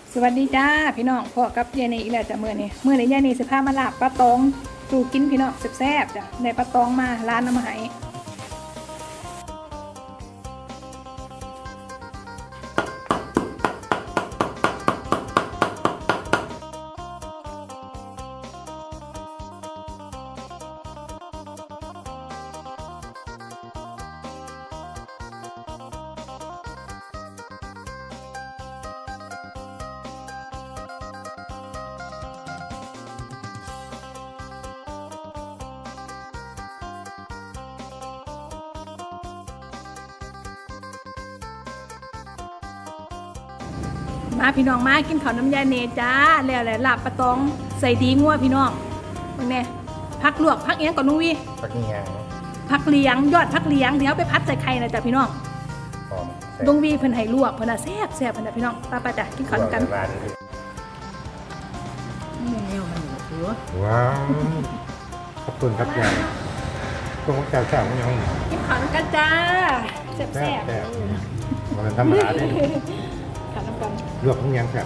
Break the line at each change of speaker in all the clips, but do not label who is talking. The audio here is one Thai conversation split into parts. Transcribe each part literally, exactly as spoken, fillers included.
สวัสดีจ้าพี่น้องพ่อกับยายนีอีกแล้วจ้ะมื้อนี้มื้อนี้ยายนีสิพามาลาบปลาตองสู่กินพี่น้องแซ่บๆจ้ะได้ปลาตองมาร้านน้ำมาให้มาพี่น้องมากินข้าวน้ำยาเนจ้าแล้วแหละลาบปลาตองใส่ดีงัวพี่น้องมึงแน่ผักลวกผักเอี้ยงก่อนนุ้งวี
ผักเนียง
ผักเลี้ยงยอดผักเลี้ยงเดี๋ยวไปพัดใส่ไข่นะจ้ะพี่น้อง
หอม
นุ้งวีเพิ่นให้ลวกเพิ่นน่ะแซ่บแซ่บเพิ่นน่ะพี่น้องป้าป้าจ้ะกินข้าวกัน
ร้านนี้
แนวมันหัว
ว้าวขอบคุณครับยายกุ้งแซ่บแซ่บยัง
กินข้าวกันจ้าแซ่บ
แซ่
แซ่
บบ แซ่บมันธรรมดาเลย
ข้าวน้ำกัน
ลวกเนียงแซ่บ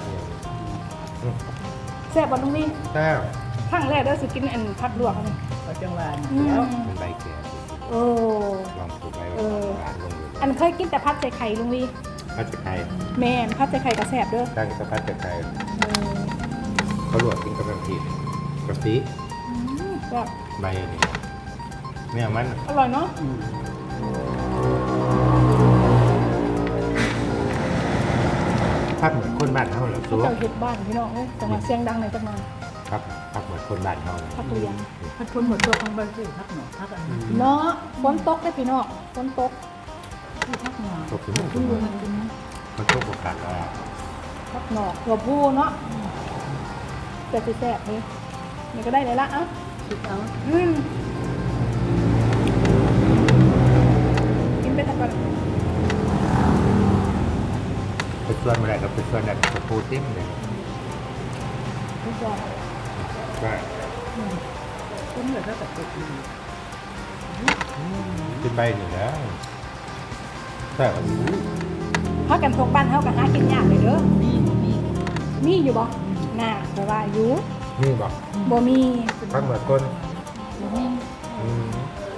แซ่บบ่นุ้งวี
แซ่บ
ครั้งแรกเด้อสิกินอันผักลวกอันนี้
ก็จังหวะ
อืม
แล้ว
เป็นใบแก่
โอ้
ลองปลูกไว้
เออ
ร้านลงอยู่
อันเคยกินแต่พัดใส่ไข่ลุงวี
พัดจะไข่
แม่นพัดใส่ไข่ก็แซ่บเด้อ
ตั้งกับพัดจะไข่
เออ
เขาลวกกินกับน้ำพริกกะปิ
อืมแซ่บ
ใบนี่เนี่ยมัน
อร่อยเนาะ
พักเหมือนคนบ้านเขาเหรอ
เขา
ซัว
เจ้าเฮ็ดบ้านพี่น้องเอ้ยจังหวะเสียงดังหน่อยจักหน่อย
ครับพักเหมือนคนบ้านเขาเลย
พักเลี้ยง
พัดพ้นหมดตัวของบ้านสิพักหนอพักอันนี้
เนาะฝนตกเด้อพี่น้องฝนตก
ที่พักหนอ
ตกถึงมัน
ที่มันกินนะ
มันตกโอกาสว่า
พักหนอกหัวผู้เนาะแต่สิแซ่บเด้นี่ก็ได้เลยละเอ้า
คิดเอา
อืมกินไปทักก่อน
ไปส่วนมาได้ก็ไปส่วนได้กับปูติ้มเลย
ทุกอย่าง
ก็
พ้นเหลือก็แต่ติดอยู่
ขึ้นใบหนึ่งแล้วแต่ว่า
พากันทงบ้านเฮาก็หากินยากเลยเด้อ
มีมี
มีอยู่บ่น่าแต่ว่าอยู่
นี่บอก
บ่มี
พักเหมือนคน
มี
อืม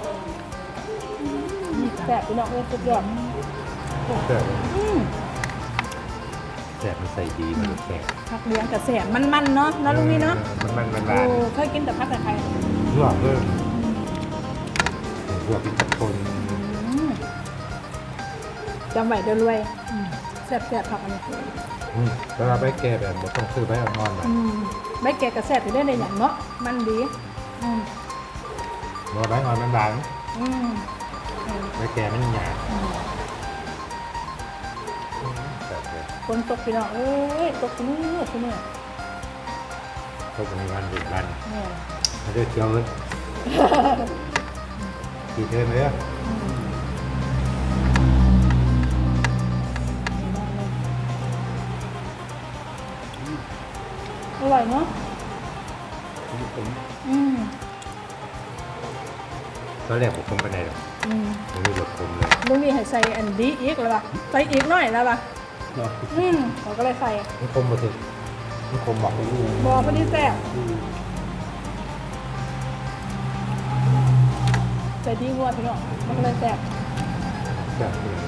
แซ่บพี่น้องเอ้ยสุดยอด
แต่
อืม
แต่มันใส่ดีมันแข็ง
ผักเลี้ยงกับแซ่บมันๆเนาะเนาะลุงนี่เนาะ
มันมันมัน
โอ้
ลาน
เคยกินแต่ผัดแต่ไข่
ลวกเลยลวกเป็นคน
อืมจำไว้เด้อรวยแซ่บๆผักอันนี้
อืมเวลาไปแก่แบบบ่ต้องซื้อใบอ่อนๆมา
อืมใบแกะกับแซ่บอยู่ได้ในอย่างเนาะมันดีอืม
บ่ใบอ่อนมันบาง
อืมอืม
ใบแก่มันหยาบ
อืม
แบบเลย
ฝนตกพี่น้องเอ้ยตกทุกมื้อทุกมื้อ
เขาจะมีวันหยุดวัน
เนี่ย
เขาจะเที่ยวเลยกี่เทอมเลยอ่ะ
อืมอร่อยเนาะอืม
ตอนแรกผมคงไปไหนหรอก
อืม
ไม่รู้รถผมเลย
ลุงนี่ให้ใส่อันดีอีกแล้วป่ะใส่อีกหน่อยแล้วป่ะอืมเราก็เลยใส่
มันคมมาถึงมันคมบอก
บอพอดีแซ่บใส่ดีงัวพี่น้องมันก็เลยแซ่บ
แบบ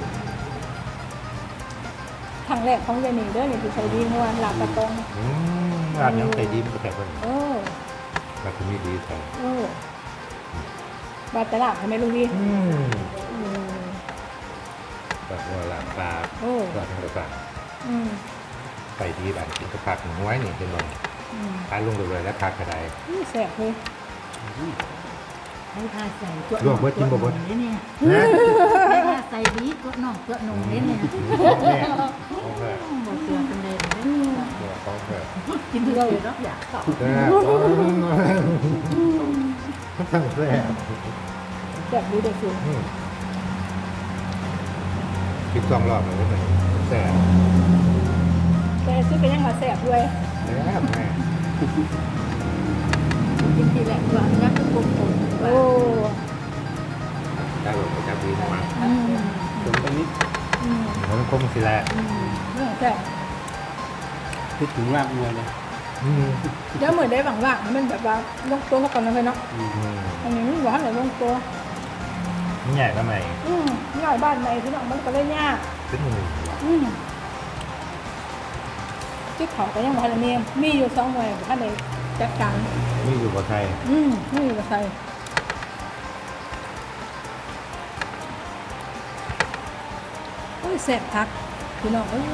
ครั้งแรกของยายหนิงเด้อนี่คือใส่ดีงัวหลับกระตอง
อืมร้านยังใส่ดีมันก็แซ่บกว่านี้
เออ
ร้านที่มีดีใส่
เออ บาดตลาดทำไมลุงดี
อืม
อืม
แบบว่าร้านปลา
โอ้
ร้านทางต่าง
อืม
ใส่ดีแบบกินกระผักหนึ่งไว้นี่เป็นบ่
อืม
ทานลงเลยแล้วทานกระได
นี่แซ่บเลย
ให้ทาใส่ตัว
ลวกเบิดกินบ่เบิด
นี่เนี่ย
นะ
ให้ทาใส่ดีตัวน้องตัวหนุ่มนี่เนี่ย
ของแม่ของแม่
บอกเสือเป็นเลย
ของแม่
กินเลยรับอยากต่อ
แซ่บทั้งแซ่บ
แซ่บดีเด็กสิ
อืมคิดสองรอบเลยไหมแซ่บ
แต่ซื้อไปยังมาแซ่บด้วย
แซ่บแม่
กินทีแรกว่านักกลมกลม
โอ้
ได้แบบประจำปีมา
อืม
ตรงนี้
อืม
มันคมสิแหละ
อืมเรื่องแซ่บ
คิดถึงรากเงินเลย
อืม
เดี๋ยวเหมือนได้หวังว่ามันแบบว่าลงตัวเขาก่อนนะเลยเนาะ
อืม
อืม
อันนี้มันบอกให้ไหนลงตัว
นี่ใหญ่ทำไม
อืมนี่หน่อยบ้านไหนพี่น้องมันก็ได้ยาก
เป็นหนึ่ง
อืมที่เขาก็ยังบอกให้เนียมมีอยู่สองหน่วยบอกให้ไหนจัดการ
นี่อยู่กับใคร
อืมนี่อยู่กับใครโอ้ยแสบทักพี่น้องเอ้ย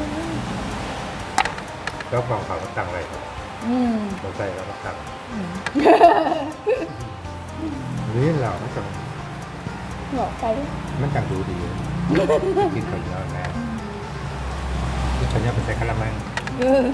เจ้าของเขาก็ตั้งอะไรครับ
อืม
เราใส่แล้วก็ตั้ง
อืม
นี่เราไม่ต้อง
บอกไป
มันต่างดูดีกินคนเดียวนะกินคนเดียวไปใส่กะละมัง
เออ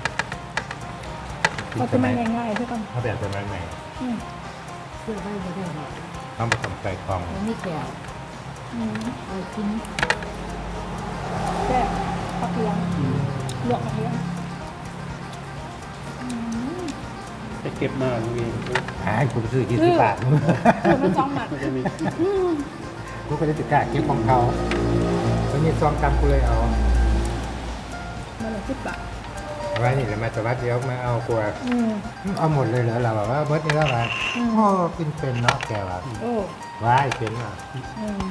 เขาจะไม่ง่ายๆใช่ป่ะ
เขาแบบเป็นไม้ใหม่
อืม
เสื้อใบไม่ได้หรอก
ต้องผสมใส่กล่อง
มันไม่แก่
อืม
เอากิน
แซ่บผักเหลียงลวกผักเหลียงอืม
จะเก็บมาลุงเอง
หาให้คุณซื้อกี่สิบบาท
คือมันจ้องหมัก
มันจะมี
อืม
กูก็จะติดกาเก็บของเขาแล้วมีซองกำกูเลยเอา
มันละสิบบาท
ไว้นี่แหละมาจะวัดเดี๋ยวมาเอากลัว
อืม
เอาหมดเลยเหรอเราแบบว่าเบิร์ดนี่แล้วมา
อืม
โอ้กินเป็นเนาะแกว่า
โอ้
ว้ายเป็นอ่ะ
อืม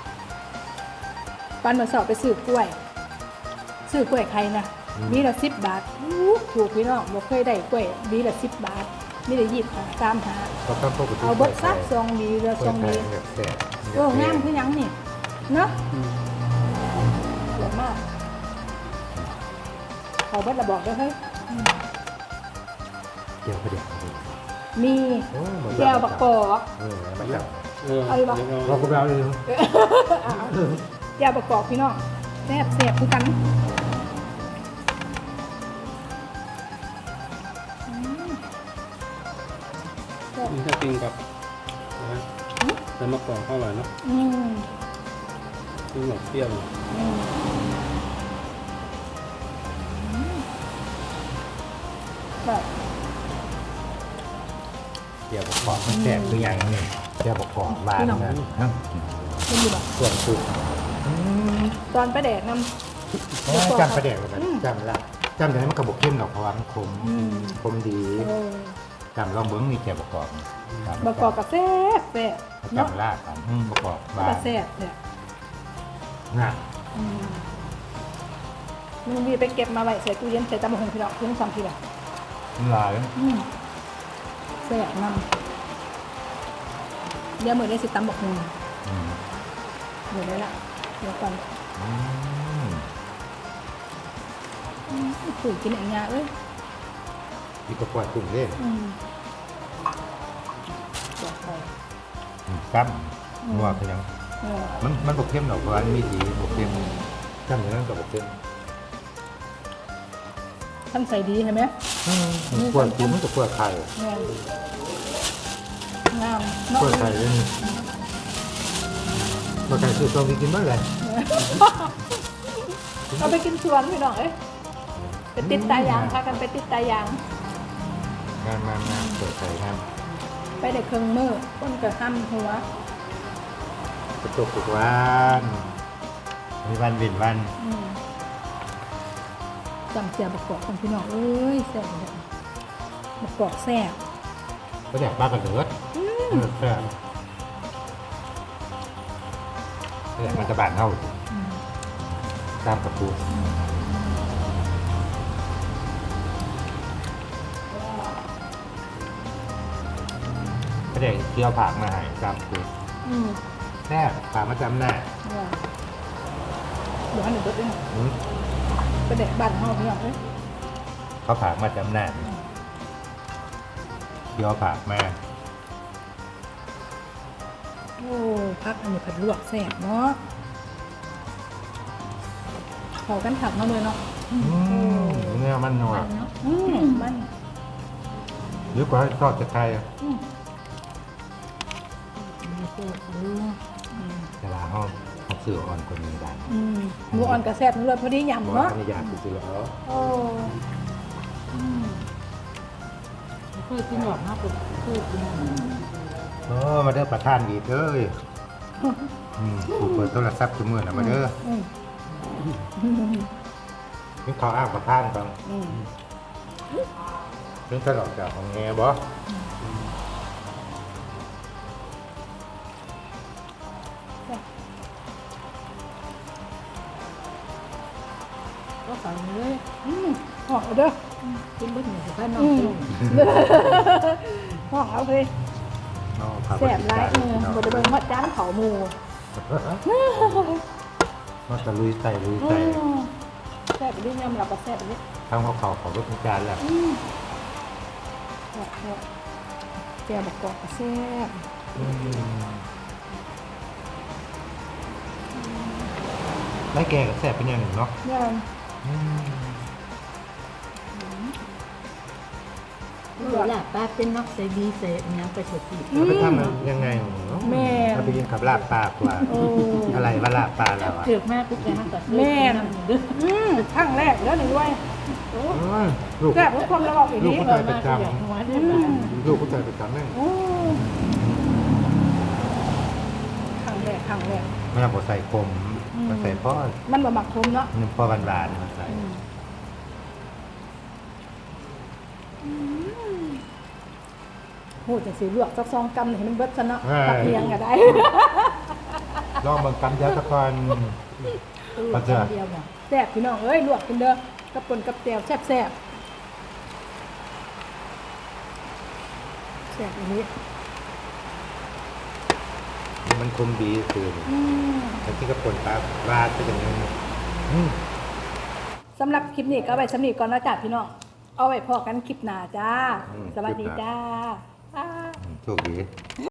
ปันมาสอบไปซื้อกล้วย ซื้อกล้วยใครนะมีละสิบบาทอู้ถูกพี่น้องบอกเคยได้กล้วยมีละสิบบาทมีละยี่สิบาทตามหา
ก็ต้องพวกกู
เอาเบิดซักซองดีละ
ซ
ซ
อ
อง ง
ดี
ดี
แบบแซ่บ
โอ้งามคือหยังนี่เนาะ
อืม
สวยมากเอาเบิดระบอกด้วยเฮ้ยอืม
เดี๋ยวก็เดี๋ยว
มี
โอ้หมด
แก้วบักกอก
เออมาจับ
เออ
เอาดีกว่า
เดี๋ยว
เรา
เรา
กูเราเลย
แก้วบักกอกพี่น้องแซ่บแซ่บคือกันอืมแซ่บ
นี่ถ้ากินกับนะแต่มะกอกเข้าอร่อยเนาะ
อืม
กินหมดเปรี้ยว
อืมแบบ
เดี๋ยวบอกกอบมันแซ่บหรือยังนี่เดี๋ยวบอกกอบบ้านนะฮะ
มันอยู่แบบ
ส่วนสุด
ตอนไปแดกน้ำ
จำประเด็นเลยจำละจำแต่มันกระบอกเข้มหรอกเพราะว่ามันคม
อืม
คมดี
เออ
จำลองเบิ้งนี่แกบอกกอบ
บักกอกกับแซ่บแซ่บเนาะ
จำลาดกันบอกกอบบ้า
กับ
น
แซ่บเนี่ย
น่ะ
อืมมันมีไปเก็บมาไว้ใส่ตู้เย็นใส่ตำมะฮงพี่น้องเพิ่งสองทีละ
ลาย
อืมแซ่บน้ำเดี๋ยวมือได้สิตำบักฮง
อืม
เดี๋ยวได้ละเดี๋ยวก่อน
อืม
อืมปุ๋ยกินอย่างเงี้ยเอ้ย
อีกก็ปล่อยตุ่มเล่น
อืมบอกไป
กั้มนัวคือยัง
เออ
มันมันบอกเข้มหรอกเพราะว่ามันมีสีบอกเข้มจำอย่างนั้นกับบอกเข้ม
ท่านใส่ดีใช่ไหม
มันปวดกินมันจะปวดไข่
แม่นงามเนาะ
ปวดไข่เลยนี่ปวดไข่คือตัวมีกินบ้างเลย
เอาไปกินสวนพี่น้องเอ้ยไปติดตายางพากันไปติดตายาง
งานมางานปวดไข่งาน
ไปได้เครื่องมือต้นกระห้ำหัว
กระตุกทุกวันมีวันเว้นวัน
อืมจำเสียบักกอกของพี่น้องเอ้ยแซ่บเลยบักกอกแซ่บ
ก็อยากบ้ากันเถิดเออแซ่บก็อยากมันจะบานเท่า
อืม
ตามกระปูก็เด็กเที่ยวผักมาใหายตามกระปู
อืม
แน่ผักมาจำหน้า
ว่าเดี๋ยวให้หนูเบิดด้วย
อืม
ไปแดกบ้านเฮาพี่น้องเอ้ย
เขาผักมาจำหน้าเที่ยวผักมา
โอ้พักอันนี้ผัดลวกแซ่บเนาะเขากันถักมาเลยเนาะ
อืมเนื้อมันนัว
มันเนาะอืมมัน
หรือกว่าทอดจะไทยอะ
อืม
มีเสื้อเรือ
อืม
แต่ละห้องเขาสื่ออ่อนคนมีได้
อืมหมูอ่อนกับแซ่บนี่เลยพอดี
บอก
ยำ
ว่า
เนาะ
อันนี้อยากซื้อแล้ว
โอ้อืม
เคยกินหรอกนะผมเคยกิน
โอ้มาเด้อประธานดีเด้ออืมกูเปิดโทรศัพท์ทุกมื้อนะมาเด้อ
อืม
นี่เขาอ้างประธานก่อน
อืม
เรื่องตลอดจากของแง่บ่
ก็ใส่เลย
อืมห้องเอาเด้อ
กินเบิ้ลหนึ่งสิบห้าน้อง
อืม
ลง
ห้องเอาเลย
เนาะครับ
แซ่บหลายเออบ่ได้เบิ่งฮอดจานเขาหมู่
มาตะลุยใส่ลุย
อื
ใส่
มแซ่บไปดิยำรับว่าแซ่บไปดิ
ทำข้าวเขาเขาก็เป็นจานแล้ว
อืมแซ่บแซ่บแซ่บบักกอกก็แซ่บ
ได้แกกับแซ่บเป็นอย่างหนึ่งเนาะ
เนี่ย
เดี๋ยวล่ะป้าเป็นนอกใส่ดีใส่เนี้ยไปสดติด
เราไปทำมันยังไงเนาะเราไปกินกับลาบปลากว่า
โอ้
อะไรว่าลาบปลาเราอ่ะ
เถือกแม่กุ๊กแกฮักกับ
แม่
น้ำเด้อ
อืมครั้งแรกแล้วนี่ด้วย
อืมลูก
แซ่บทุกคนแล้วบอกอย่าง
ลูก
นี้
ผู้ชายประจ
อยากหัวได้
อื
ไหม
ม
ำลูกผู้ชายประจำนั่น
โอ้ครั้งแรกครั้งแรก
มันเอาบใส่คม
อืม
มันใส่พ่อ
มันบะหมักคมเนาะ
หนึ่งพ่อบานบานๆมันใส่
โหจะสีลวกสักสองกำให้มันเบิดซะเนาะตักเพียงก็ได้
ลองเบางกำเดียวสักคน ปัจจัย
เดียวเนี่ย
แซ่บพี่น้องเอ้ยลวกกินเด้อกับปนกับแจ่วแซ่บแซ่บแซ่บอันนี้
มันคมดีคือ
อืม
แต่ที่กระปนปลาราดไปอย่างนี้อืม
สำหรับคลิปนี้ก็เอาไว้สำนีก่อนนะจ้าพี่น้องเอาไว้พอกันคลิปหน้าจ้า สวัสดีจ้า
โชคดี